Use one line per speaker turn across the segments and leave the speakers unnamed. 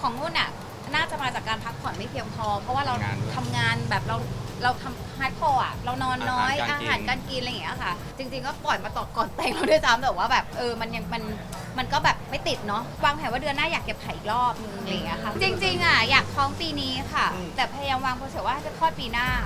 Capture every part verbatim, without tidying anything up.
ของนุ่นอ่ะน่าจะมาจากการพักผ่อนไม่เพียงพอเพราะว่าเราทำงานแบบเราเราทำฮาร์ดคอร์อ่ะเรานอนน้อยอาหารการกินอะไรอย่างเงี้ยค่ะจริงๆก็ปล่อยมาต่อก่อนแต่งเราด้วยซ้ำแต่ว่าแบบเออมันยังมันมันก็แบบไม่ติดเนาะวางแผนว่าเดือนหน้าอยากเก็บไข่อีกรอบนึงอะไรอย่างเงี้ยค่ะจริงๆอ่ะอยากท้องปีนี้ค่ะแต่พยายามวางโปรเซสว่าจะคลอดปีหน้า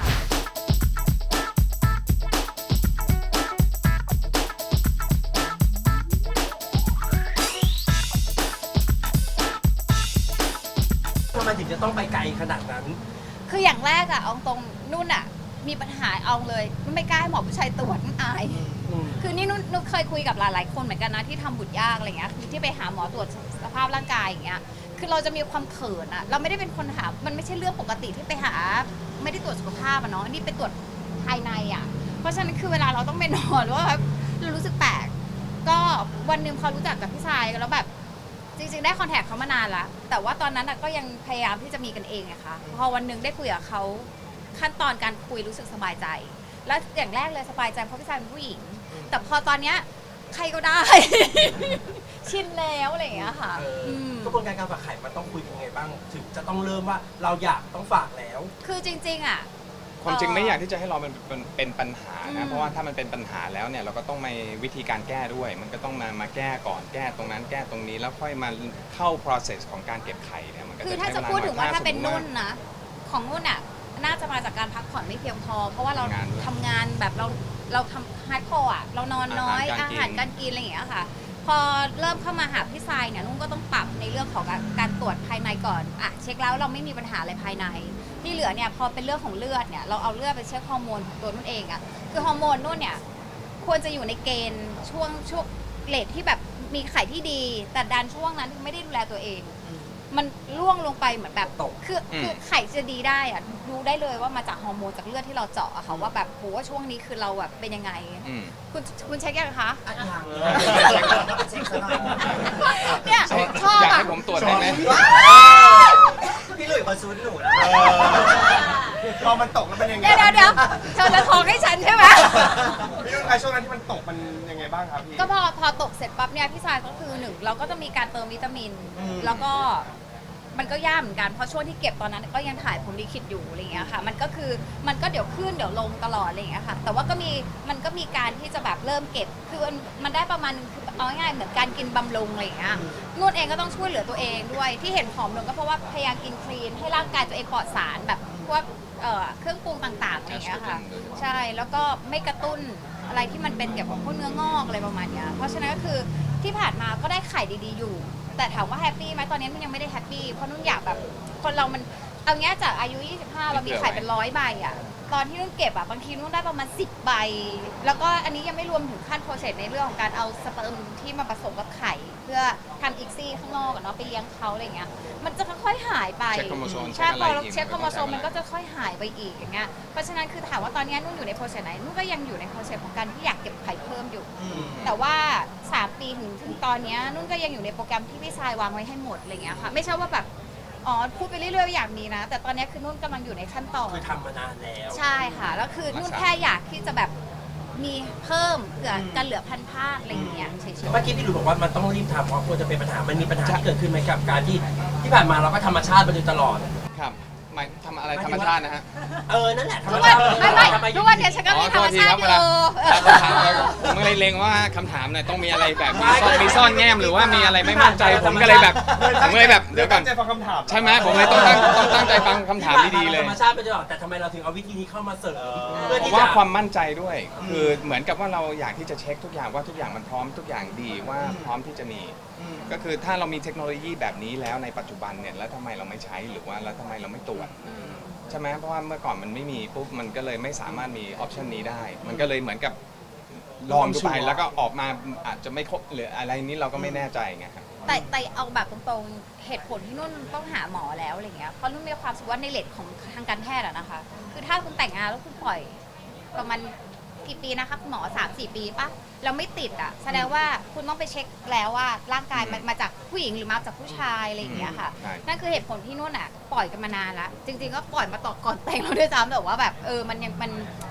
ทำไมถึงจะต้องไปไกลขนาดนั้น
คืออย่างแรกอะเอาตรงนุ่นอะมีปัญหาเอาเลยไม่กล้าให้หมอผู้ชายตรวจนุ่นอายคือนี่นุ่นนุ่นเคยคุยกับหลายๆคนเหมือนกันนะที่ทำบุตรยากอะไรเงี้ยคือที่ไปหาหมอตรวจสภาพร่างกายอย่างเงี้ยคือเราจะมีความเขินอะเราไม่ได้เป็นคนหามันไม่ใช่เรื่องปกติที่ไปหาไม่ได้ตรวจสุขภาพอะเนาะนี่ไปตรวจภายในอะเพราะฉะนั้นคือเวลาเราต้องไปนอนว่าเรารู้สึกแปลกก็วันหนึ่งพอรู้จักกับพี่ชายแล้วแบบจริงๆได้คอนแทคเขามานานแล้วแต่ว่าตอนนั้นก็ยังพยายามที่จะมีกันเองไงคะพอวันหนึ่งได้คุยกับเขาขั้นตอนการคุยรู้สึกสบายใจแล้วอย่างแรกเลยสบายใจเพราะพี่ชายเป็นผู้หญิงแต่พอตอนเนี้ยใครก็ได้ ชินแล้วอะไรอย่างเงี้ยค่ะ
กระบวนการการฝากไข่มันต้องคุยยังไงบ้างถึงจะต้องเริ่มว่าเราอยากต้องฝากแล้ว
คือจริงๆอ่ะ
ความจริงไม่อยากที่จะให้เราเป็นเป็นปัญหานะเพราะว่าถ้ามันเป็นปัญหาแล้วเนี่ยเราก็ต้องมีวิธีการแก้ด้วย มันก็ต้องมามาแก้ก่อนแก้ตรงนั้นแก้ตรงนี้แล้วค่อยมาเข้า process ของการเก็บไข่เนี่ยมันก็
คือถ้า
จะใช้เวลา
จะพูดถึงว่าถ้าเป็น
สมมุ
นุ่
ติ
นนะของนุ่นอ่ะน่าจะมาจากการพักผ่อนไม่เพียงพอ เพราะว่าเราทำงานแบบเราเราทำฮาร์ดคอร์อ่ะเรานอนน้อยอาหารการกินอะไรอย่างเงี้ยค่ะพอเริ่มเข้ามาหาพี่ทรายเนี่ยนุ่นก็ต้องปรับในเรื่องของการตรวจภายในก่อนอ่ะเช็คแล้วเราไม่มีปัญหาอะไรภายในที่เหลือเนี่ยพอเป็นเรื่องของเลือดเนี่ยเราเอาเลือดไปเช็คฮอร์โมนของตัวนุ่นเองอ่ะคือฮอร์โมนนุ่นเนี่ยควรจะอยู่ในเกณฑ์ช่วงช่วงเลทที่แบบมีไข่ที่ดีแต่ดันช่วงนั้นไม่ได้ดูแลตัวเองมันล่วงลงไปเหมือนแบบคือคือไข่จะดีได้อะดูได้เลยว่ามาจากฮอร์โมนจากเลือดที่เราเจาะอะค่ะว่าแบบโหว่าช่วงนี้คือเราแบบเป็นยังไงคุณคุณเช็คยังคะเนี่ยชอบ
อยาก
อะ
ให้ผมตรวจได้ไหม
พี่หลุยส์มาซูนหนูนะ
พอมันตกแล้วเป็นยังไง
เดี๋ยวเดี๋ยวเดี๋ยวเธอจะท้องให้ฉันใช่ไหม
พี่นุ่นไอช่วงนั้นที่มันตกมันยังไงบ้างครับพี่
ก็พอพอตกเสร็จปั๊บเนี่ยพี่ชายก็คือหนึ่งเราก็จะมีการเติมวิตามิน แล้วก็มันก็ยากเหมือนกันเพราะช่วงที่เก็บตอนนั้นก็ยังถ่ายผมลิขิตอยู่อะไรอย่างเงี้ยค่ะมันก็คือมันก็เดี๋ยวขึ้นเดี๋ยวลงตลอดอะไรอย่างเงี้ยค่ะแต่ว่าก็มีมันก็มีการที่จะแบบเริ่มเก็บคือมันมันได้ประมาณนึงคือเอาง่ายๆเหมือนการกินบำรุงอะไรอย่างเงี้ยนุ่นเองก็ต้องช่วยเหลือตัวเองด้วยที่เห็นผอมลงก็เพราะว่าพยายามกินคลีนให้ร่างกายตัวเองปลอดสารแบบพวกเอ่อเครื่องปรุงต่างๆอะไรอย่างเงี้ยค่ะใช่แล้วก็ไม่กระตุ้นอะไรที่มันเป็นเกี่ยวกับพวกเนื้องอกอะไรประมาณเนี้ยเพราะฉะนั้นก็คือที่ผ่านมาก็ได้ไข่ดีๆอยู่แต่ถามว่าแฮปปี้ไหมตอนนี้มันยังไม่ได้แฮปปี้เพราะนุ่นอยากแบบคนเรามันเอางี้จากอายุยี่สิบห้าเรามีไข่เป็นร้อยใบอ่ะตอนที่นุ่นเก็บอ่ะบางทีนุ่นได้ประมาณสิบใบแล้วก็อันนี้ยังไม่รวมถึงขั้นโปรเซสในเรื่องของการเอาสเปิร์มที่มาผสมกับไข่เพื่อทำอีกซี่ข้างนอกอะเนาะไปเลี้ยงเขาอะไรเงี้ยมันจะค่อยๆหายไป
เช็คโครโมโซม
ใช่พอเรา
เช็
เช็
ค
ค
อะ
โค
ไร
ร
อีก
โมโซมมันก็จะค่อยหายไปอีกอย่างเงี้ยเพราะฉะนั้นคือถามว่าตอนนี้นุ่นอยู่ในโปรเซสไหนนุ่นก็ยังอยู่ในโปรเซสของการที่อยากเก็บไข่เพิ่มอยู่แต่ว่าสามปีถึงถึงตอนนี้นุ่นก็ยังอยู่ในโปรแกรมที่พี่ชายวางไว้ให้หมดอะไรเงี้ยค่ะไม่ใช่ว่าแบบอ๋อพูดไปเรื่อยๆอย่างนี้นะแต่ตอนนี้คือนุ่นกำลังอยู่ในขั้นตอน
คือทำมานานแล้ว
ใช่ค่ะแล้วคือนุ่นแค่อยากที่จะแบบมีเพิ่มเผื่อกันเหลือพันพาดอะไรอย่างเงี้ยเฉยๆ
เมื่อกี้พี่หลุยส์บอกว่ามันต้องรีบทำเพราะกลัวจะเป็นปัญหามันมีปัญหาที่เกิดขึ้นไหมกับการที่ที่ผ่านมาเราก็ธรรมชาติมาโดยตลอด
ครับหมายทำอะไรธรรมชาตินะฮะ
เออนั่นแหละธรรม
ทุก
ชา
วัน
ติ
ไม่ไม่
ทำ
ทุกวันเนี่ยฉันก็มีธรรมชาติอยู่
คำถามผมเลยเล็งว่าคำถามเนี่ยต้องมีอะไรแบบมีซ่อนมีซ่อนแง้มหรือว่ามีอะไรไม่มั่นใจผมก็เลยแบบผมเลยแบบเดี๋ยวก่อน
ตั้งใจฟังคำถาม
ใช่ไหมผมเลยต้องตั้งต้องตั้งใจฟังคำถามดีๆเลย
ธรรมชาติมาโดยตลอดแต่ทำไมเราถึงเอาวิธีนี้เข้ามาเสริมเพื่อ
ผม
ที่
ว่า
จะ
ความมั่นใจด้วย คือเหมือนกับว่าเราอยากที่จะเช็คทุกอย่างว่าทุกอย่างมันพร้อมทุกอย่างดีว่าพร้อมที่จะมี ก็คือถ้าเรามีเทคโนโลยีแบบนี้แล้วในปัจจุบันเนี่ยแล้วทำไมเราไม่ใช้หรือว่าแล้วทำไมเราไม่ตรวจใช่ไหมเพราะว่าเมื่อก่อนมันไม่มีปุ๊บมันก็เลยไม่สามารถมีออปชันนี้ได้ มันก็เลยเหมือนกับลองดูไปแล้วก็ออกมาอาจจะไม่ครบหรืออะไรนี้เราก็ไม่แน่ใจไงครับ
แต่แต่เอาแบบตรงๆเหตุผลที่นุ่นต้องหาหมอแล้วอะไรเงี้ยเพราะนุ่นมีความรู้สึกว่าในเลทของทางการแพทย์อะนะคะคือถ้าคุณแต่งงานแล้วคุณปล่อยประมาณกี่ปีนะคะคุณหมอ สามสี่ ปีปะเราไม่ติดอะแสดงว่าคุณต้องไปเช็คแล้วว่าร่างกายมันมาจากผู้หญิงหรือมาจากผู้ชายอะไรอย่างเงี้ยค่ะนั่นคือเหตุผลที่นุ่นอะปล่อยกันมานานละจริงๆก็ปล่อยมาต่อก่อนแต่งเราด้วยซ้ำแต่ว่าแบบเออมันยังมัน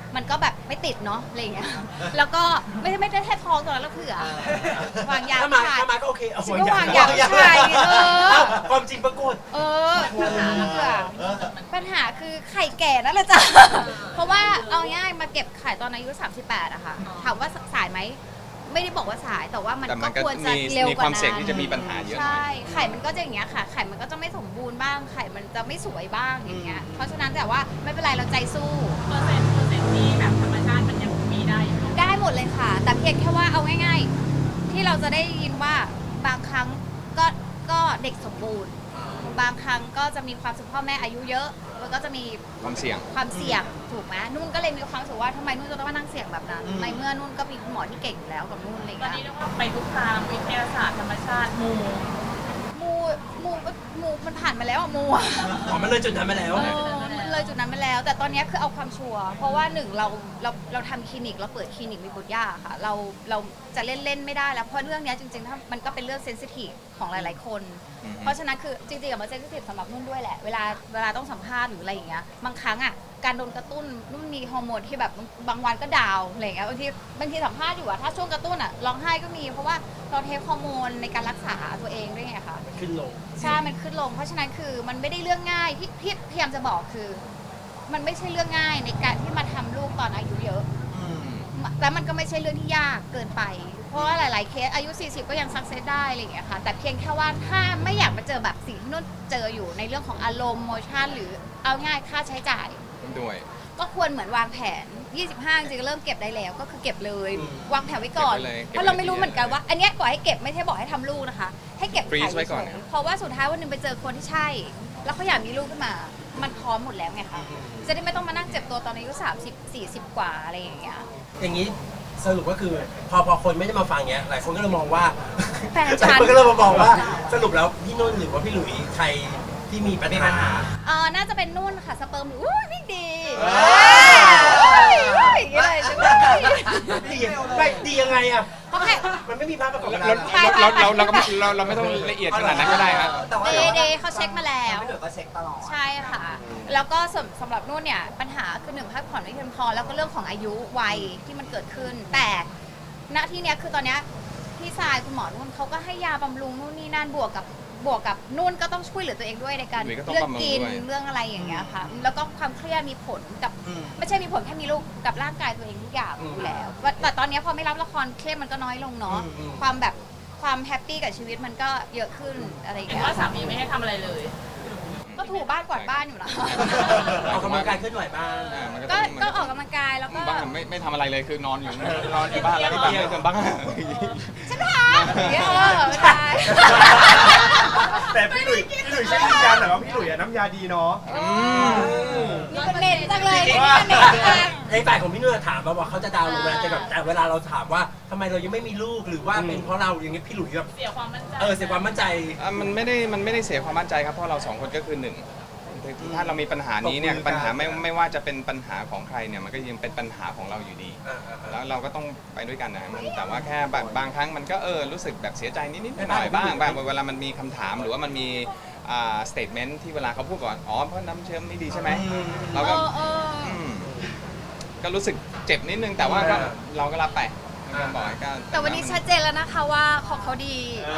มันก็แบบไม่ติดเนาะอะไรอย่างเงี้ยแล้วก็ไม่ได้ไม่ได้แค่ท้องตอนนั้นแล้วเผื่อวางยา
ถ้ามา
ผู้ชาย
ถ้ามาก็โอเคเอา
ฉันก็วางยาผู้ชายเออ
เอ้าความจริงปรากฏ
เออปัญหาเผื่อปัญหาคือไข่แก่นั่นแหละจ้ะเพราะว่าเอาง่ายมาเก็บไข่ตอนอายุสามสิบแปดอะค่ะถามว่าสายไหมไม่ได้บอกว่าสายแต่ว่ามัน
แต่มั
ก็
นก็
ควรจะ
มี
เร็ว
มี
กว่า
ความ
นั้น
เสี่ยงที่จะมีปัญหาเยอะหน่อย
ใช่ไข่มันก็จะอย่างเงี้ยค่ะ ไข่มันก็จะไม่สมบูรณ์บ้างไข่มันจะไม่สวยบ้างอย่างเงี้ยเพราะฉะนั้นแต่ว่าไม่เป็นไรเราใจสู้
เปอร์เซ็นต์เปอร์เซ็นต์ที่แบบธรรมชาติมันยังมีได้อยู่
ได้หมดเลยค่ะ แต่เพียงแค่ว่าเอาง่ายๆ ที่เราจะได้ยินว่าบางครั้งก็ก็เด็กสมบูรณ์ บางครั้งก็จะมีความสุขพ่อแม่อายุเยอะมันก็จะมี
ความเสี่ยง
ความเสี่ยงถูกไหมนุ่นก็เลยมีความรู้สึกว่าทำไมนุ่นจะต้องมานั่งเสี่ยงแบบนั้นในเมื่อนุ่นก็มีคุณหมอที่เก่งอยู่แล้วกับนุ่นอะไรอย่าง
ตอน
เงี้
นี้
ย
เรียกว่าไปทุกทางวิทยาศาสตร์ธรรมชาติมู
มูมูมูมันผ่านมาแล้วอะมูอะ
อ๋อมันเลยจุดนั้นไปแล้ว
เออมันเลยจุดนั้นไปแล้ว แต่ตอนนี้คือเอาความชัวร์เพราะว่าหนึ่งเราเราเราทำคลินิกเราเปิดคลินิกมีบุตรยาค่ะ เราเราจะเล่นเล่นไม่ได้แล้วเพราะเรื่องเนี้ยจริงๆถ้ามันก็เป็นเรื่องเซนซิทีฟของหลายๆคน
อือฮึ
เพราะฉะนั้นคือจริงๆอะมันเซนซิทีฟสำหรับนุ่นด้วยแหละเวลาเวลาต้องสัมภาษณ์หรืออะไรอย่างเงี้ยบางครั้งอ่ะการโดนกระตุ้นนุ่นมีฮอร์โมนที่แบบบางวันก็ดาวน์อะไรอย่างเงี้ยบางทีบางทีสัมภาษณ์อยู่อะถ้าช่วงกระตุ้นอะร้องไห้ก็มีเพราะว่าเราเทคฮอร์โมนในการรักษาตัวเองด้วยไงคะ
ขึ้นลง
ใช่ มันขึ้นลง เพราะฉะนั้นคือมันไม่ได้เรื่องง่ายที่ที่พยายามจะบอกคือ มันไม่ใช่เรื่องง่ายในการที่มาทำลูกตอนอายุเยอะ แล้วมันก็ไม่ใช่เรื่องที่ยากเกินไป เพราะว่าหลาย ๆ เคสอายุ สี่สิบ ก็ยังสักเซสได้อะไรอย่างเงี้ยค่ะ แต่เพียงแค่ว่าถ้าไม่อยากมาเจอแบบสิ่งที่นุ่นเจออยู่ในเรื่องของอารมณ์โมชั่นหรือเอาง่ายค่าใช้จ่าย
ด้วย
ก็ควรเหมือนวางแผน ยี่สิบห้า จริงๆเริ่มเก็บได้แล้ว ก็คือเก็บเลย
อืม
วางแผนไว้ก่อน
เก็บไว้เลย
เพราะเราไม่รู้เหมือนกันว่า อันเนี้ยก่อนให้เก็บไม่ใช่บอกให้ทำลูกนะคะ ให้เก็บ
Freeze
ขาย
ไว้ก่อน
เฉยๆเพราะว่าสุดท้ายวันหนึงไปเจอคนที่ใช่ แล้วเขาอยากมีลูกขึ้นมา มันพร้อมหมดแล้วไงคะ จะได้ไม่ต้องมานั่งเจ็บตัวตอนอายุสามสิบ สี่สิบกว่าอะไรอย่างเงี้ย
อย่างนี้สรุปก็คือพอพอคนไม่ได้มาฟังเนี้ยหลายคนก็เลยมองว่า
แฟน
หลาย
ฉัน
คนก็เลยมามองว่าสรุปแล้วพี่นุ่นหรือว่าพี่หลุยใครที่มีปัญหา
เออน่าจะเป็นนุ่นค่ะ สเปิร์มหรืออุ้ยวิ่งดี
เอ้ย
เฮ้ยอย่างเงี้ยเลยจังเลย
ดีไม่ดียังไงอ่ะ
เขาแค่
มันไม่มีภาพประกอบ
เรา
การ
เราเราเราเราก็ไม่เราเราไม่ต้องละเอียดขนาดนั้นก็ได้ครับ
แต่ว่า
เดเดเขาเช็คมาแล้ว
พี่หนุ่ยก็เช็คตลอด
ใช่ค่ะ แล้วก็สำสำหรับนุ่นเนี่ยปัญหาคือหนึ่งพักผ่อนไม่เพียงพอ แล้วก็เรื่องของอายุวัยที่มันเกิดขึ้น แต่ณที่เนี้ยคือตอนเนี้ยพี่สายคุณหมอนุ่นเขาก็ให้ยาบำรุงนู่นนี่นั่นบวกกับบวกกับนุ่นก็ต้องช่วยเหลือตัวเองด้วยในการ
หนุ่ยก็ต้อง
เรื่อง
บำรุง
กิน
ด้วย
เรื่องอะไรอย่างเงี้ยค่ะ แล้วก็ความเครียดมีผลกับ
อืม
ไม่ใช่มีผลแค่มีลูกกับร่างกายตัวเองทุกอย่างอยู่แล้วว่าแต่ตอนเนี้ยพอไม่รับละครเครียดมันก็น้อยลงเนาะ
อืมอืม
ความแบบความแฮปปี้กับชีวิตมันก็เยอะขึ้นอะไรอย่าง
เห็น
เงี้ย
ว่าสามีไม่ให้ทำอะไรเลย
ก็ถูบ้านกวาดบ้านอยู่นะ
ออกกำลังกายเคลื่อนไหวบ้าง
อ่ามัน
ก็
ต้อง
ก็ออกกำลังกายแล้วก็
บ้างไม่ไม่ทำอะไรเลยคือนอนอยู่นอนอยู่บ้านแล้วก็แบบไม่ทำบ้าง
ฉันทำอย่างเงี้ยเออใช่
แต่พี่หลุยพี่หลุยใช่ยืนยันเหรอว่าพี่หลุยอะน้ำยาดีเนาะ
นี่ก็เน้นจังเลยนี่ก็เน้นจัง
ในฝ่ายของพี่นุ่นถามมาว่าเขาจะดาวน์ลงมาแต่แบบแต่เวลาเราถามว่าทำไมเรายังไม่มีลูกหรือว่าเป็นเพราะเราอย่างนี้พี่หลุยแบบ
เสียความมั่นใจ
เออเสียความมั่นใจ
อ่ะมันไม่ได้มันไม่ได้เสียความมั่นใจครับเพราะเราสองคนก็คือหนึ่งถ้าเรามีปัญหานี้เนี่ย
ตบมือกัน
ปัญหาไม่ไม่ว่าจะเป็นปัญหาของใครเนี่ยมันก็ยังเป็นปัญหาของเราอยู่ดี
อ่าอ่าอ่า
แล้วเราก็ต้องไปด้วยกันนะมันแต่ว่าแค่บางบางครั้งมันก็เออรู้สึกแบบเสียใจนิดๆหน่อยๆบ้างบ้างเวลามันมีคำถามหรือว่ามันมีอ่าสเตทเมนต์ที่เวลาเขาพูดก่อนอ๋อเพราะน้ำเชื่อมไม่ดีใช่ไหมเรา
เอ
ก็
อเออ
อืมก็รู้สึกเจ็บนิดนึงแต่ว่าก็เราก็รับไปก็บอกให้ก็
แต่วันนี้ชัดเจนแล้วนะคะว่าของเขาดี
อ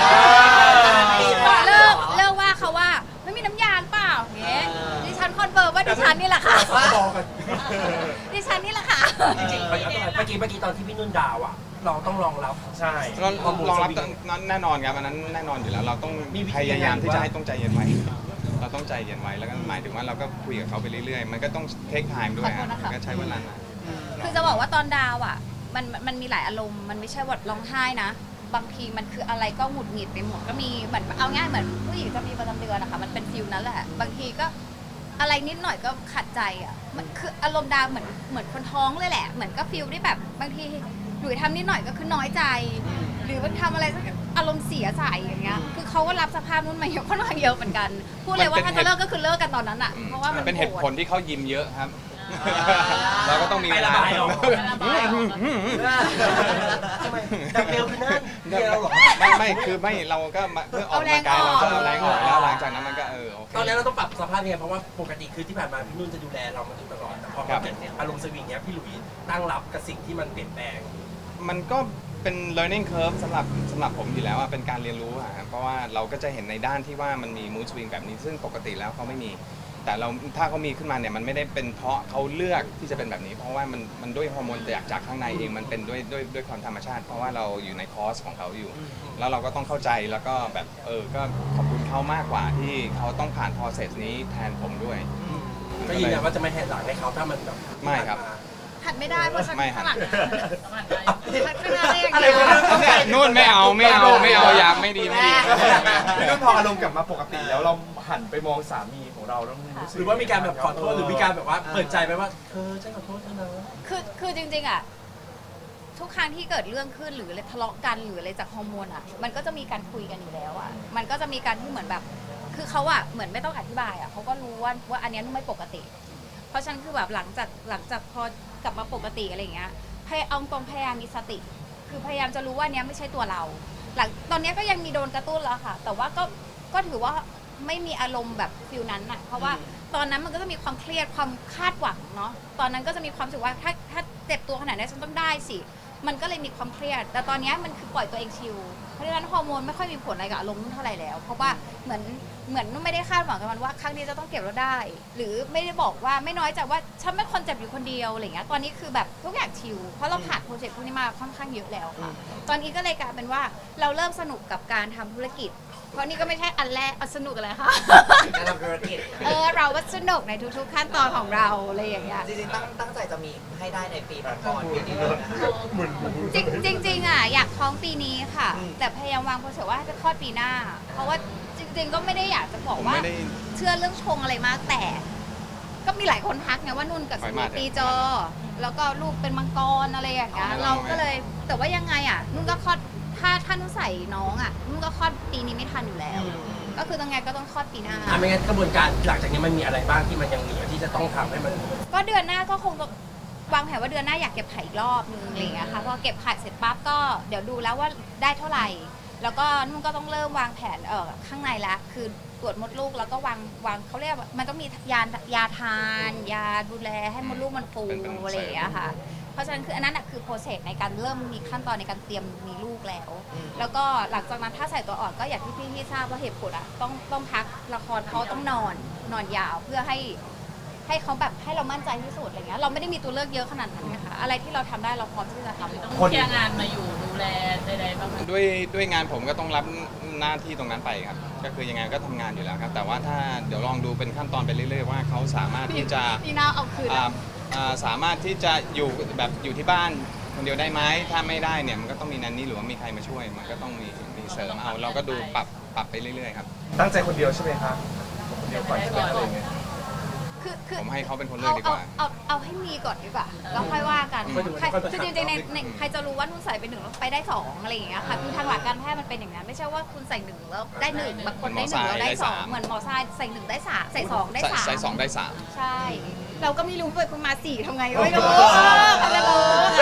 เลิกเลิกว่าเขาว่าไม่มีน้ำยาหรือเปล่าเงี้ยดิฉันคอนเฟิร์มว่าดิฉันนี่แหละค่ะ
บอกกัน
ดิฉันนี่แหละค่ะ
จริงๆเมื่อกี้เมื่อกี้ตอนที่พี่นุ่นด่าวอ่ะ เราต้องรองรับ
ใช่
เรารองรับนั้นแน่นอนครับอันนั้นแน่นอนอยู่แล้ว เราต้อง
มีวิธี
พยายามที่
ยังไง
จะให้ต้องใจเย็นไว้ เราต้องใจเย็นไว้แล้วก็หมายถึงว่าเราก็คุยกับเขาไปเรื่อยๆ มันก็ต้องเทคไทม์ด้วย
ขอโทษนะคะ
ก็ใช้เวลานะ
คือจะบอกว่าตอนดาวอ่ะมันมันมีหลายอารมณ์มันไม่ใช่ว่าร้องไห้นะ บางทีมันคืออะไรก็หงุดหงิดไปหมดก็มีเหมือนเอาง่ายเหมือนผู้หญิงจะมีประจำเดือนนะคะมันเป็นฟิลนั้นแหละ บางทีก็อะไรนิดหน่อยก็ขัดใจอ่ะมันคืออารมณ์ดาวเหมือนเหมือนคนท้องเลยแหละ เหมือนก็ฟิลที่แบบบางทีหลุยทำนิดหน่อยก็คือน้อยใจ หรือมันทำอะไรสักอารมณ์เสียใส่อย่างเงี้ยคือเขาก็รับสภาพนู้นมาเยอะค่อนข้างเยอะเหมือนกันพูดเลยว่าถ้าจะเลิกก็คือเลิกกันตอนนั้นอ่ะ
อืม
เพราะว่ามัน
เป็นเหตุ
โกรธ
ผลที่เขายิ้มเยอะครับ เราก็ต้องมีเวลา
ไประบายออก ทำไมแต่เบลคือนั่นเดียวเหรอ
ไม่ไม่คือไม่เราก็มาเพื่อออกกำลังกายเราก็เอาแรงออกแล้วหลังจากนั้นมันก็เออโอเค
ตอนนั้นนั้นเราต้องปรับสภาพยังไงเพราะว่าปกติคือที่ผ่านมาพี่นุ่นจะดูแลเรามาโดยตลอดแต่พอ
ครั
มัน
บ
เกิดอารมณ์สวิงเนี้ยพี่หลุยตั้งรับกับสิ่งที่มันเปลี่ยนแปลง
มันก็เป็น learning curve สำหรับสำหรับผมอยู่แล้วอะเป็นการเรียนรู้อะครับเพราะว่าเราก็จะเห็นในด้านที่ว่ามันมี mood swing แบบนี้ซึ่งปกติแล้วเขาไม่มี แต่เราถ้าเขามีขึ้นมาเนี่ยมันไม่ได้เป็นเพราะเขาเลือกที่จะเป็นแบบนี้ เพราะว่ามันมันด้วยฮอร์โมนจากจากข้างในเองมันเป็นด้วยด้วยด้วยความธรรมชาติ เพราะว่าเราอยู่ในคอร์สของเขาอยู่ แล้วเราก็ต้องเข้าใจแล้วก็แบบเออก็ขอบคุณเขามากกว่าที่เขาต้องผ่าน process นี้แทนผมด้วย
ก็ยืนยันว่าจะไม่แหกหลังให้เขาถ้ามันแบบ
ไม่ครับ
หัดไม่ได้เพราะฉัน
ไม่หัด
ข้างหลัง
ประมาณนั้น
หัดข้างหน้าได้อย่าง
อะไร
เดียว
วะ
เนี่ยนู่นไม่เอาไม่เอาไม่เอาอยากไม่ดีไม่ดี
พี่นุ่นพออารมณ์กลับมาปกติแล้วเราหันไปมองสามีของเราแล้วรู้สึก
หรือว่ามีการแบบขอโทษหรือมีการแบบว่าเปิดใจไปว่าเธอฉันขอโทษเธอนะ
คือคือจริงๆอ่ะทุกครั้งที่เกิดเรื่องขึ้นหรืออะไรทะเลาะกันหรืออะไรจากฮอร์โมนอ่ะมันก็จะมีการคุยกันอยู่แล้วอ่ะมันก็จะมีการที่เหมือนแบบ คือเขาอ่ะเหมือนไม่ต้องอธิบายอ่ะเขาก็รู้ว่าว่าอันเนี้ยไม่ปกติ เพราะฉะนันคือแบบหลังจากหลังจากพอกลับมาปกติอะไรอย่างเงี้ยพยเอาตรงพยายามมีสติ คือพยายามจะรู้ว่าอันเนี้ยไม่ใช่ตัวเรา หลังตอนเนี้ยก็ยังมีโดนกระตุ้นแล้วค่ะ แต่ว่าก็ก็ถือว่าไม่มีอารมณ์แบบฟิลนั้นอ่ะเพราะว่าตอนนั้นมันก็จะมีความเครียดความคาดหวังเนาะตอนนั้นก็จะมีความรู้สึกว่าถ้าถ้าเจ็บตัวขนาดนี้ฉันต้องได้สิมันก็เลยมีความเครียด แต่ตอนเนี้ยมันคือปล่อยตัวเองชิลเพราะฉะนั้นฮอร์โมนไม่ค่อยมีผลอะไรกับอารมณ์นุ่นเท่าไหร่แล้ว เพราะว่าเหมือนเหมือนนุ่นไม่ได้คาดหวังกับมันว่าครั้งนี้จะต้องเก็บแล้วได้ หรือไม่ได้บอกว่าไม่น้อยใจว่าฉันเป็นคนเจ็บอยู่คนเดียวอะไรเงี้ยตอนนี้คือแบบทุกอย่างชิลเพราะเราผ่านโปรเจกต์พวกนี้มาค่อนข้างเยอะแล้วค่ะ ตอนนี้ก็เลยกลายเป็นว่าเราเริ่มสนุกกับการทำธุรกิจ เพราะนี่ก็ไม่ใช่อันแรกเอาสนุกอะไรคะ
การทำธุรกิจ
เออเราก็สนุกในทุกๆขั้นตอนของเราอะไรอย่างเงี้ย
จริงๆตั้งตั้งใจจะมีให้ได้ในปีก่อนปีนี้เลยนะ
เหมือน
จริงจริงๆอ่ะอยากท้องปีนี้ค่ะ
อืม
แต่พยายามวางโปรเซสว่าให้ไปคลอดปีหน้า เพราะว่าจริง ๆ ก็ไม่ได้อยากจะบอก
ผม
ว่า
ไม่ได้
เชื่อเรื่องชงอะไรมากแต่ ก็มีหลายคนทักไงว่านุ่นกับ
ไฟ
ส
ไหม้
มุตีจอ แล้วก็ลูกเป็นมังกรอะไรอย่างเงี้ย
เอาไม่
เรา
เอาไม่
ก็เลยแต่ว่ายังไงอ่ะนุ่นก็คลอดถ้าถ้านุ่นใส่น้องอ่ะนุ่นก็คลอดปีนี้ไม่ทันอยู่แล้ว ก็คือต้องไงก็ต้องคลอดปีหน้า
อ่ะไม่งั้นกระบวนการหลังจากนี้มันมีอะไรบ้างที่มันยังเหลือที่จะต้องทำให้มัน
ก็เดือนหน้าก็คงจะวางแผนว่าเดือนหน้าอยากเก็บไข่อีกรอบนึงอะไรอย่างเงี้ยค่ะพอเก็บไข่เสร็จปั๊บก็เดี๋ยวดูแล้วว่าได้เท่าไหร่ แล้วก็นุ่นก็ต้องเริ่มวางแผนเออข้างในละคือตรวจมดลูกแล้วก็วางวางเขาเรียกว่ามันต้องมียายาทาน ยาดูแลให้มดลูกมันฟู
เป็นเป็น
อะไรอย่างเงี้ยค่ะ เพราะฉะนั้นคืออันนั้นนะคือโปรเซสในการเริ่มมีขั้นตอนในการเตรียมมีลูกแล้ว แล้วก็หลังจากนั้นถ้าใส่ตัวอ่อนก็อย่างที่พี่ที่ทราบว่าเหตุผลอะต้องต้องพักละครเขาต้องนอนนอนยาวเพื่อให้ ให้เขาแบบให้เรามั่นใจที่สุดอะไรเงี้ยเราไม่ได้มีตัวเลือกเยอะขนาดนั้นนะคะอะไรที่เราทำได้เราพร้อมที่จะทำ
ต้องเคลียร์งานมาอยู่ดูแลใดๆบ้างไหม
ด้วยด้วยงานผมก็ต้องรับหน้าที่ตรงนั้นไปครับ ก็คือยังไงก็ทำงานอยู่แล้วครับ แต่ว่าถ้าเดี๋ยวลองดูเป็นขั้นตอนไปเรื่อยๆว่าเขาสามารถที่จะ
พี่น่าเอาคืน
อ่า
อะ
อ่าสามารถที่จะอยู่แบบอยู่ที่บ้านคนเดียวได้ไหมถ้าไม่ได้เนี่ยมันก็ต้องมีนันนี่หรือว่ามีใครมาช่วย มันก็ต้องมีมีเสริมเอาเราก็ดูปรับปรับไปเรื่อยๆครับ
ตั้งใจคนเดียวใช่ไหมครับคนเดียวก่อนใช่ไหมอะไรอย่างเงี้ย
คือคือ
ผมให้เขาเป็นคนเลือ
เอา
กดีก
เอา
ว่า
เอาเอาให้มีก่อนดีกว่าแล้วค่อยว่ากัน
ไม่ถึง
ใคร
ค่อยไป
คือจริงๆในในใครจะรู้ว่านุ่นใส่ไปหนึ่งแล้วไปได้สองอะไรอย่างเงี้ยค่ะคือทางหลักการแพทย์มันเป็นอย่างนั้นไม่ใช่ว่าคุณใส่หนึ่งแล้วได้หนึ่งบางคนได้หนึ่งแล้วได้สองเหมือนหมอทรายใส่หนึ่งได้สามใส่สองได้สาม
ใส่สองได้สาม
ใช่ เราก็ไม่รู้เปิดคุณมาสี่ทำไงไม่รู้ใครจะรู้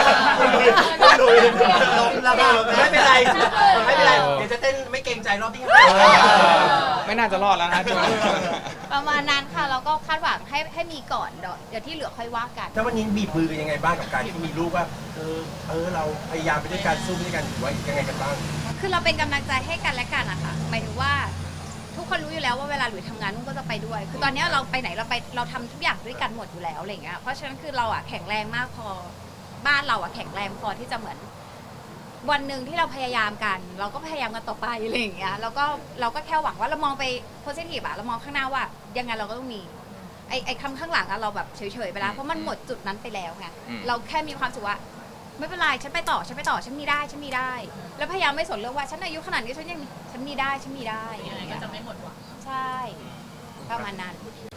ลงแล้วก็ไม่เป็นไรไม่เป็นไรเดี๋ยวจะเต้นไม่เกรงใจรอบที่ห้า
ไม่น่าจะรอดแล้วนะช่วงนี้
ประมาณนั้นค่ะเราก็คาดหวังให้ให้มีก่อนเดี๋ยวเดี๋ยวที่เหลือค่อยว่ากัน
ถ้าวันนี้บีบมือกันยังไงบ้างกับการที่มีลูกว่าเออเออเราพยายามไปด้วยกันสู้ไปด้วยกันหรือว่ายังไงกันบ้าง
คือเราเป็นกำลังใจให้กันและกันอะค่ะหมายถึงว่าทุกคนรู้อยู่แล้วว่าเวลาหลุยทำงานนุ่นก็จะไปด้วย คือตอนนี้เราไปไหนเราไปเราทำทุกอย่างด้วยกันหมดอยู่แล้วอะไรอย่างเงี้ยเพราะฉะนั้นคือเราอะแข็งแรงมากพอบ้านเราอะแข็งแรงพอที่จะเหมือน วันหนึ่งที่เราพยายามกัน เราก็พยายามกันต่อไปอะไรอย่างเงี้ยแล้วก็เราก็แค่หวังว่าเรามองไปโพสิทีฟอะเรามองข้างหน้าว่ายังไงเราก็ต้องมีไอ้ไอ้คำข้างหลังอะเราแบบเฉยๆไปแล้วเพราะมันหมดจุดนั้นไปแล้วไง
อืม
เราแค่มีความสุขว่าไม่เป็นไรฉันไปต่อฉันไปต่อฉันมีได้ฉันมีได้ แล้วพยายามไม่สนเรื่องว่าฉันอายุขนาดนี้ฉันยังฉันมีได้ฉันมีได้
ยังไงก็จะไม่หมดหวัง
ใช่ประมาณนั้น